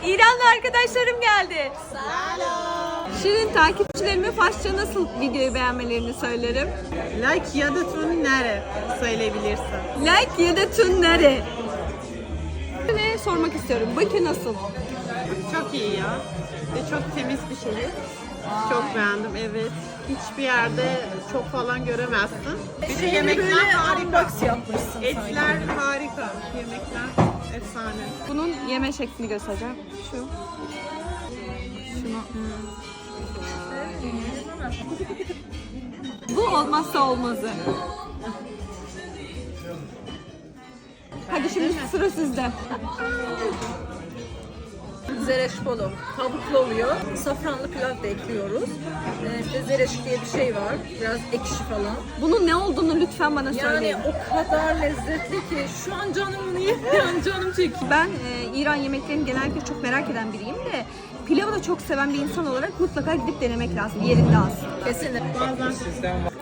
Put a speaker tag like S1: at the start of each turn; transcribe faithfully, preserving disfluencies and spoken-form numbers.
S1: İranlı arkadaşlarım geldi. Selam. Şirin takipçilerime Farsça nasıl videoyu beğenmelerini söylerim.
S2: Like ya da tun nere söyleyebilirsin.
S1: Like ya da tun nere? Ne sormak istiyorum. Bakü nasıl?
S2: Çok iyi ya. Ve çok temiz bir şehir. Çok beğendim, evet. Hiçbir yerde çok falan göremezsin. Bir de yemekler harika. Etler harika. Yemekler efsane.
S1: Bunun yeme şeklini göstereceğim. Şu. Şunu. Bu olmazsa olmazı. Hadi şimdi sıra sizde.
S3: Zereş polo. Tavuklu oluyor. Safranlı pilav da ekliyoruz. Ee, işte zereş diye bir şey var. Biraz ekşi falan.
S1: Bunun ne olduğunu lütfen bana söyleyin.
S3: Yani o kadar lezzetli ki şu an canım niye? Yani canım çekiyor.
S1: Ben e, İran yemeklerini genellikle çok merak eden biriyim de pilavı da çok seven bir insan olarak mutlaka gidip denemek lazım yerinde aslında.
S3: Kesinlikle.
S2: Bazen